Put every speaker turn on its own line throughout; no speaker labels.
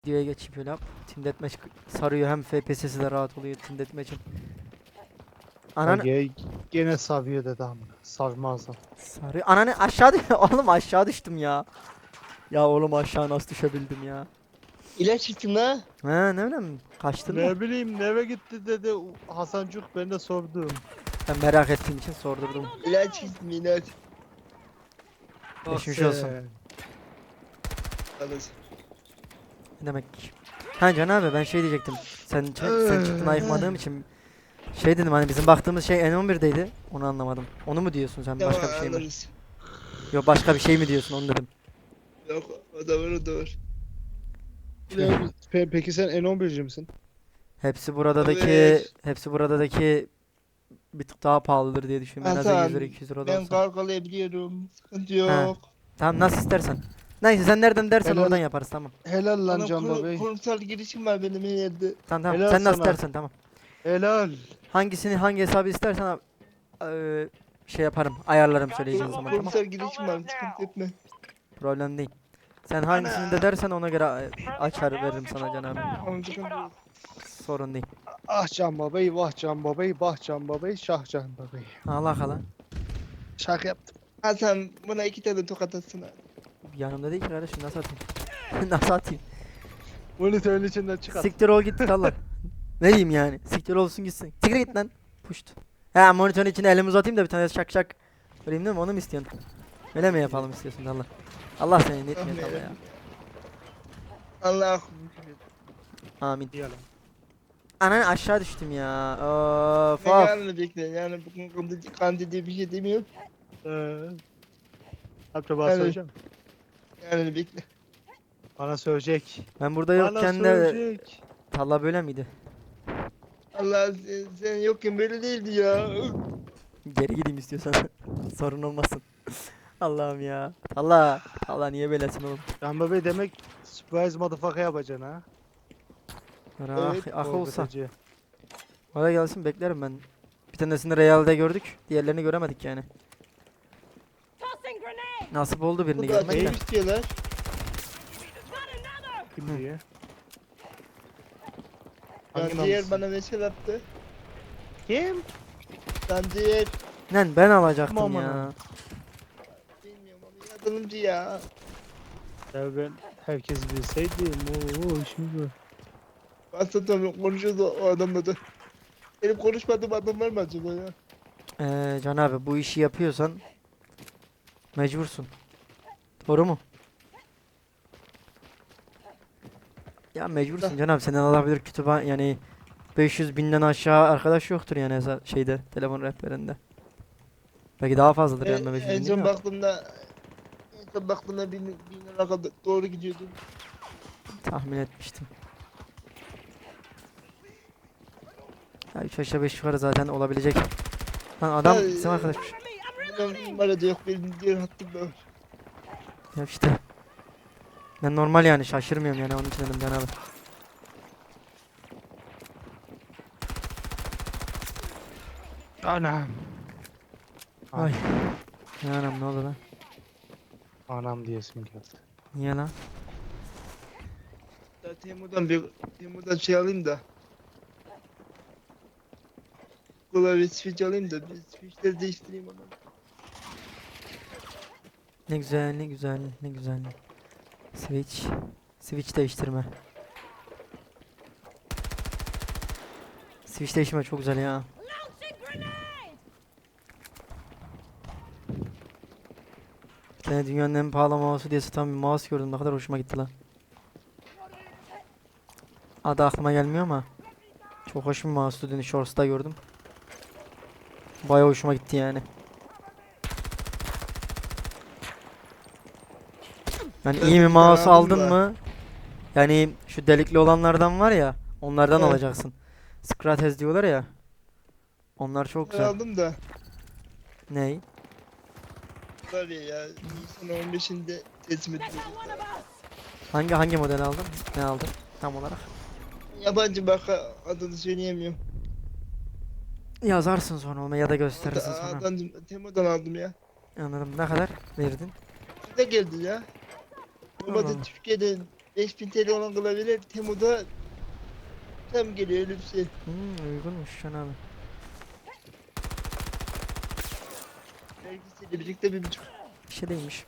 Videoya geçip öyle yap. Team Deathmatch sarıyor, hem FPS'si de rahat oluyor Team Deathmatch'in. Ananı
Gene savuyor dedi ama. Savmazdım.
sarıyor. Ananı aşağı oğlum aşağı düştüm ya. Ya oğlum aşağı nasıl düşebildim ya?
İlaç içtim la.
He ne bileyim kaçtın mı?
Ne bileyim neve gitti dedi Hasancuk, ben de sordum.
Ben merak ettiğim için sordurdum.
İlaç içtim ilaç.
Bak
Geçmiş olsun.
sen.
Alırsın.
Ne demek? Ha Can abi ben şey diyecektim. Sen çıktın ayıkmadığım için şey dedim, hani bizim baktığımız şey N11'deydi. Onu anlamadım. Onu mu diyorsun sen,
Tamam
başka bir şey mi?
alırız.
Yok başka bir şey mi diyorsun, onu dedim.
Yok o da var o da var.
Peki sen N11'ci misin?
Hepsi buradaki
Evet.
hepsi buradaki bir tık daha pahalıdır diye düşünüyorum. En az 100 lira
Hasan
200 lira da
ben
olsa.
kargalayabiliyorum. Sıkıntı
Ha.
yok.
Tamam nasıl istersen. Neyse sen nereden dersen
Helal,
oradan yaparız, tamam.
helal lan
Bana
Can Bey.
kurumsal girişim var benim her yerde.
Tamam tamam.
Helal
Sen nasıl
sana.
dersen tamam.
Helal.
Hangi hesabı istersen şey yaparım. Ayarlarım söyleyeceğin zaman, tamam.
Kurumsal girişim var sıkıntı etme.
Problem değil. Sen hangisini de dersen ona göre açar veririm sana Can abi.
Tamam sıkıntı yok.
Sorun değil.
Ah Can Bey, vah Can Bey, bah Can Bey, şah Can Bey.
Allah Allah.
Şaka yaptım.
Hasan buna 2 tane tokat atsana.
Yanımda değil ki kardeşim, nasıl atayım? Nasıl atayım?
Monitörün içinden çıkart.
Siktir ol git Allah. Ne diyeyim yani? Siktir olsun gitsin. Siktir git lan. Puşt. Ha monitörün içine elimi uzatayım da bir tane şak şak. Vereyim değil mi? Onu mu istiyorsun? Öyle mi yapalım istiyorsun Allah? Allah seni ne etmiyor Allah ya.
Allah.
Amin.
Yalan.
Anan aşağı düştüm ya. Of
Ben
of.
yarını bekle. Yani bugün kandı diye bir şey demiyorum.
Hatta bana
Evet.
söyleyeceğim.
Yarını bekle.
Bana söyleyecek.
Ben burada
Bana
yokken de
söyleyecek.
talla böyle miydi?
Allah sen yokken böyle değildi ya.
Geri gideyim istiyorsan. Sorun olmasın. Allah'ım ya. Allah. Allah niye böylesin oğlum?
Can Bey demek surprise motherfucker yapacaksın ha.
Ah,
Evet,
ah olsa.
Korkutucu.
Oraya gelsin beklerim ben. Bir tanesini Real'de gördük. Diğerlerini göremedik yani. Nasip oldu birini
Bu da
görmek de.
şey istiyorlar.
Kim diye?
Lan
Hangi
diğer
namussuz?
bana mesaj attı.
Kim?
Lan diğer.
Lan ben alacaktım
Aman
ya.
ha.
Bilmiyorum ama yardımcı ya.
Ya ben herkes bilseydim. Oo şimdi.
Aslında tabii konuşuyordu o adamla da. Benim konuşmadığım adam var mı acaba ya?
Can abi bu işi yapıyorsan mecbursun. Doğru mu? Ya mecbursun Can abi, senden alabilir kütüphane yani 500 binden aşağı arkadaş yoktur yani şeyde, telefon rehberinde. Belki daha fazladır yani 500
En
bin
son
değil mi?
baktığımda 1000 lira kadar doğru gidiyordu.
Tahmin etmiştim. Ya 3 aşağı 5 yukarı zaten olabilecek. Lan adam
Ya,
bizim arkadaşmış.
Benim numarada yok benim diğer hattımda var.
Ya işte. Ben normal yani şaşırmıyorum yani, onun için dedim Can abi.
Anam.
Ay. Ya anam ne oldu lan?
Anam diyesim geldi.
Niye lan?
Ya Temu'dan şey alayım da. Klavye switch alayım da bir switchleri değiştireyim onu.
Ne güzel ne güzel ne güzel. Switch. Switch değiştirme. Switch değiştirme çok güzel ya. Bir tane dünyanın en pahalı mouse'u diye satan bir mouse gördüm, ne kadar hoşuma gitti lan. Adı aklıma gelmiyor ama çok hoş bir mouse'tu, dün Shorts'ta gördüm. Bayağı hoşuma gitti yani. Yani
Ben
iyi bir
bir
mouse
tane aldım
aldın
da.
mı? Yani şu delikli olanlardan var ya, onlardan
Evet.
alacaksın. Scratches diyorlar ya. Onlar çok
Ben
güzel.
aldım da.
Ney?
Klavye ya. Nisan 15'inde teslim edildi.
Hangi model aldın? Ne aldın tam olarak?
Yabancı marka adını söyleyemiyorum.
Yazarsın sonra ona ya da gösterirsin sonra.
Temu'dan aldım ya.
Anladım. Ne kadar verdin?
Ne geldi ya?
Allah Allah.
Normalde Türkiye'de 5000 TL olan klavyeler Temu'da tam geliyor öyle bir şey.
Uygunmuş Can abi.
Vergisiyle birlikte 1,5.
Bir şey değilmiş.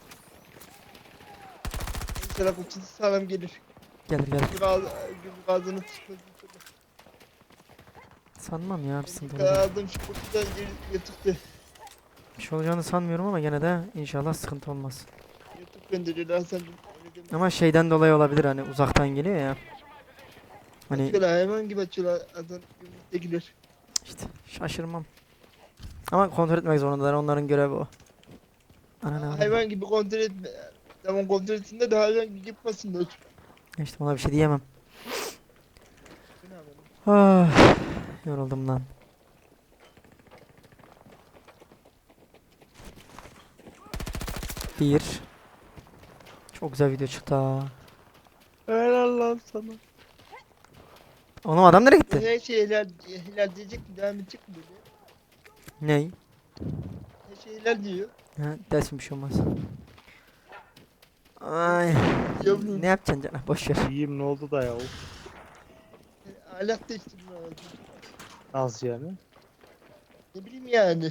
İnşallah kutusu sağlam gelir.
Gelir gelir.
Gümrük ağzını tutmaz.
Sanmam ya bir sıkıntı olacak.
Aldım şu kutudan yırtıktı.
Bir şey olacağını sanmıyorum ama gene de inşallah sıkıntı olmaz.
Yırtık gönderiyor Hasan.
Ama şeyden dolayı olabilir hani uzaktan geliyor ya. Hani
Açıyorlar hayvan gibi açıyorlar Hasan gümrüktekiler.
işte şaşırmam. Ama kontrol etmek zorundalar onların görevi o. Ana
Hayvan gibi kontrol etme. Tamam kontrol etsinler de hayvan gibi yapmasınlar.
işte ona bir şey diyemem.
Ne yapalım?
Ah, yoruldum lan. Bir. Çok güzel video çıktı ha.
Helal lan sana.
Oğlum adam nereye gitti?
Her şey helal diyecek mi? Devam edecek mi böyle?
Ney?
Her şey helal diyor.
Ha, dersin bir şey olmaz. Ay.
Yavrum.
Ne yapacaksın canım? Boş ver.
İyiyim ne oldu da ya?
Ahlak değiştirme lazım.
Nasıl yani?
Ne bileyim yani.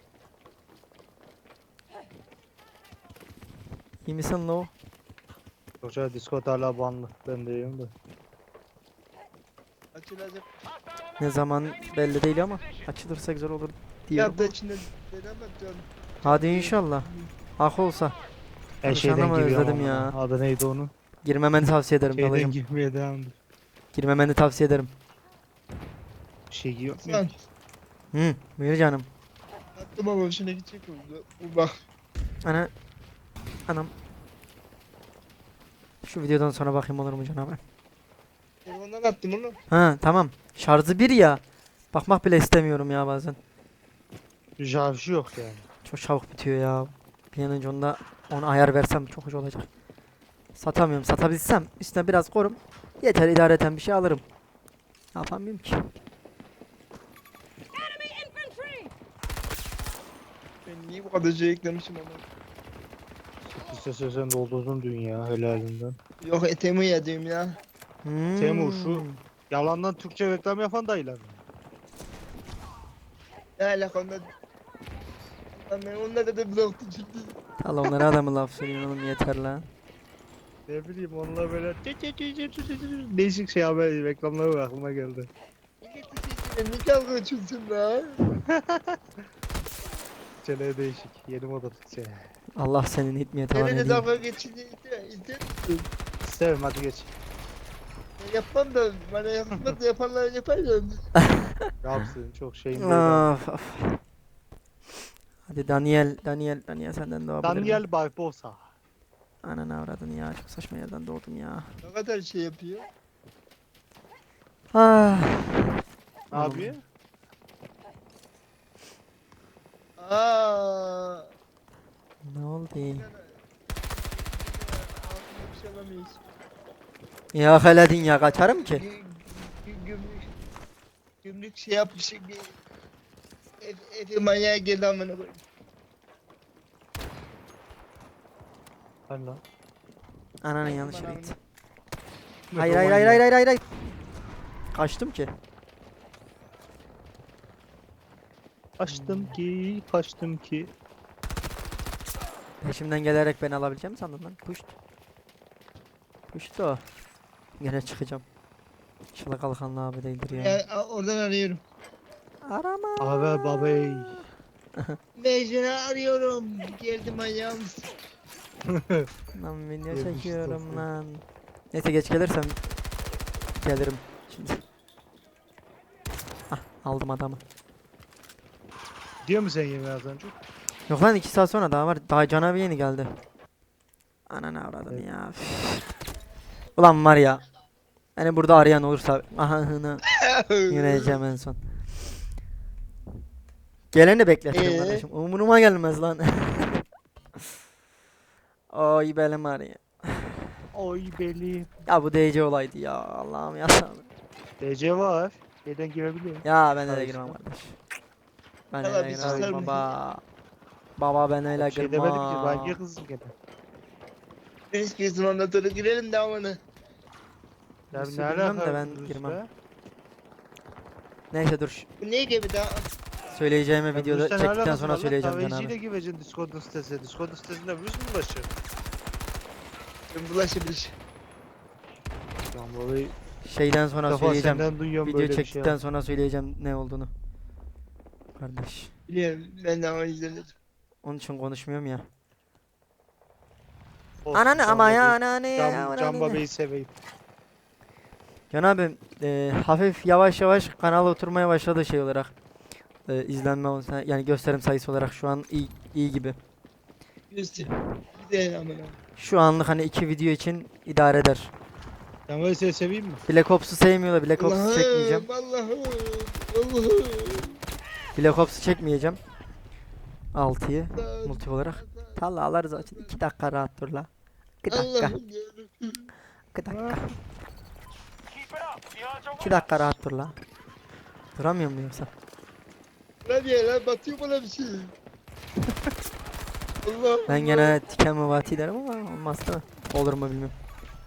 İyi misin lo?
Yoksa Discord hala banlı. Ben de iyiyim de.
Açılacak.
Ne zaman belli değil ama açılırsa güzel olur diyorum.
Ya da içinde deneme diyorum.
Hadi inşallah. Hak olsa.
Her
Abi
şeyden
şanama
giriyorum
özledim
ama.
ya.
Adı neydi onun?
Girmemeni tavsiye ederim
Şeyden
dalacım.
girmeye devam.
Girmemeni tavsiye ederim.
Bir şey yok mu?
Sen
Buyur canım.
attım ama hoşuna gidecek oldu. Bu bak.
Ana. Anam. Şu videodan sonra bakayım olur mu canım?
Telefondan attım onu.
Ha tamam. Şarjı bir ya. Bakmak bile istemiyorum ya bazen.
Jarjı yok yani.
Çok çabuk bitiyor ya. Bir an önce onu ayar versem çok hoş olacak. Satamıyorum. Satabilsem üstüne biraz korum. Yeter idareten bir şey alırım. Ne yapamıyorum ki?
Ben niye bu kadar şey eklemişim ama.
İstese sen doldurdun dünya helalinden.
Yok etemi yedim ya.
Temur, şu- Yalandan Türkçe reklam yapan dayılar mı?
Ne alaka onda. Lan ben onlara da blok düşürdüm.
Allah onlara adamı laf söylüyorsun oğlum yeter lan.
Ne bileyim onlar böyle değişik şey haber reklamları var, aklıma geldi.
Milleti sesine ne kavga açıyorsun la?
Çeneye değişik. Yeni moda Türkçe.
Allah senin hitmeye tavan
Nerede
edeyim.
dalga geçini izler misin?
İsterim hadi geç.
Ben yapmam da bana yapmaz da yapanlar yapar ya.
Yapsın çok şeyin değil.
Of, of. Hadi Daniel senden doğabilir miyim?
Daniel Barbosa.
Ananı avradını ya çok saçma yerden doğdum ya.
Ne kadar şey yapıyor.
Ah.
Ne yapıyor?
Aa.
Ne oldu?
Altında bir şey alamayız.
Ya heledin ya kaçarım ki.
Gümrük şey yapmış. Efe manyağa geldi amına koyayım.
Hani lan.
Ananın yanlış yere
Aman
gitti.
Ne
Hayır
zaman
hayır hayır
ya?
hayır hayır hayır. Kaçtım ki.
Kaçtım ki.
Peşimden gelerek beni alabileceğim mi sandın lan? Puşt. Puşt o. Gene çıkacağım. İnşallah kalkanlı abi değildir ya.
Ya, oradan arıyorum.
Arama.
Abi babey.
Mecnun'u arıyorum. Geldi manyağım.
Lan video
Yemiş
çekiyorum
dostum.
lan. Neyse geç gelirsem gelirim şimdi. Ah aldım adamı.
Diyor mu sen yemeği az önce?
Yok lan 2 saat sonra daha var. Daha canavar yeni geldi. Ananı avradını
Evet.
ya. Ulan var ya. Hani burada arayan olursa ahını yürüyeceğim en son. Geleni bekletirim kardeşim. Umuruma gelmez lan. Ay belim ağrıyor.
Oy beli.
Ya bu DC olaydı ya. Allah'ım ya.
DC var. Şeyden girebiliyor.
Ya ben öyle
Hayır,
girmem
işte.
kardeş. Ben
Valla
öyle
bir
girmem
susar
baba. Baba ben öyle
Bir şey demedim ki ben
girmem.
niye kızdım gene.
Neyse kesin ondan sonra girelim de amına.
Ya
Rus'u
ne
bilmem de
alaka
ben
Rus
girmem.
be?
Neyse dur.
Bu ne gibi daha?
Söyleyeceğimi
Ya
videoda
Rus'ta ne
çektikten
alakası
sonra
var lan?
söyleyeceğim Can
Kahveciyle
abi.
gireceksin Discord'un sitesine. Discord'un sitesinde Rus mu başlıyor?
Ben bulaşabilir.
Lan babayı
Şeyden
ilk
sonra
defa
söyleyeceğim.
senden duyuyorum
Video
böyle bir şey.
çektikten sonra söyleyeceğim ne olduğunu. Kardeş.
Biliyorum ben daha izlemedim.
Onun için konuşmuyorum ya.
Olsun,
Ananı
Can
ama ya
babayı-
ananı ya
Can
ananı.
babayı seveyim.
Can abi hafif yavaş yavaş kanal oturmaya başladı şey olarak. İzlenme olsa yani gösterim sayısı olarak şu an iyi gibi.
Göster. Bir de amına.
Şu anlık hani 2 video için idare eder.
Can babayı seni seveyim mi?
Black Ops'u sevmiyor da Black Ops'u çekmeyeceğim.
Allah'ım. Allah'ım.
Black Ops'u çekmeyeceğim. 6'yı
Allah'ım.
multi olarak. Talla alırız açın. 2 dakika rahat dur la. 2 dakika.
Allah'ım yarabbim.
2 dakika. 2 dakika rahat dur la. Duramıyor mu yoksa?
Lan ya lan batıyor bana bir şey. Allah.
Ben gene tiken muvati derim ama olmaz değil mi? Olur mu bilmiyorum.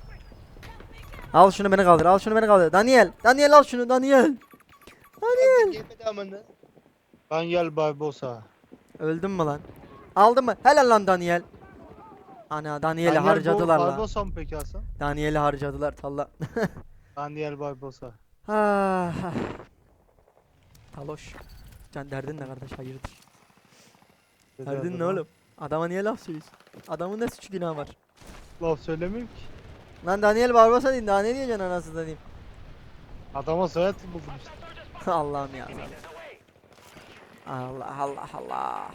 Al şunu beni kaldır. Al şunu beni kaldır. Daniel. Daniel al şunu Daniel.
Daniel. Gelmedi amına.
Daniel Barbosa.
Öldün mü lan? Aldın mı? Helal lan Daniel. Ana Daniel'i
Daniel
harcadılar lan.
Barbosa mı peki Hasan?
Daniel'i harcadılar talla.
Daniel Barbosa.
Ah. Taloş. Can derdin ne kardeş hayırdır? Derdin ne oğlum? Adama niye laf söylüyorsun? Adamın ne suçu günahı var?
Laf söylemiyorum ki.
Lan Daniel Barbosa değil daha ne diyeceksin anasını diyeyim.
Adama soyad buldum işte.
Allah'ım ya. Allah Allah Allah.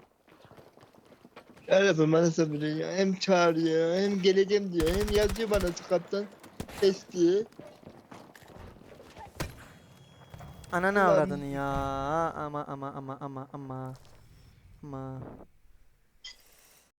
Yarabbim bana sabır ya. Hem çağırıyor hem geleceğim diyor. Hem yazıyor bana Skype'tan. Test diye.
Ananı
Ulan.
avradını ya. Ama.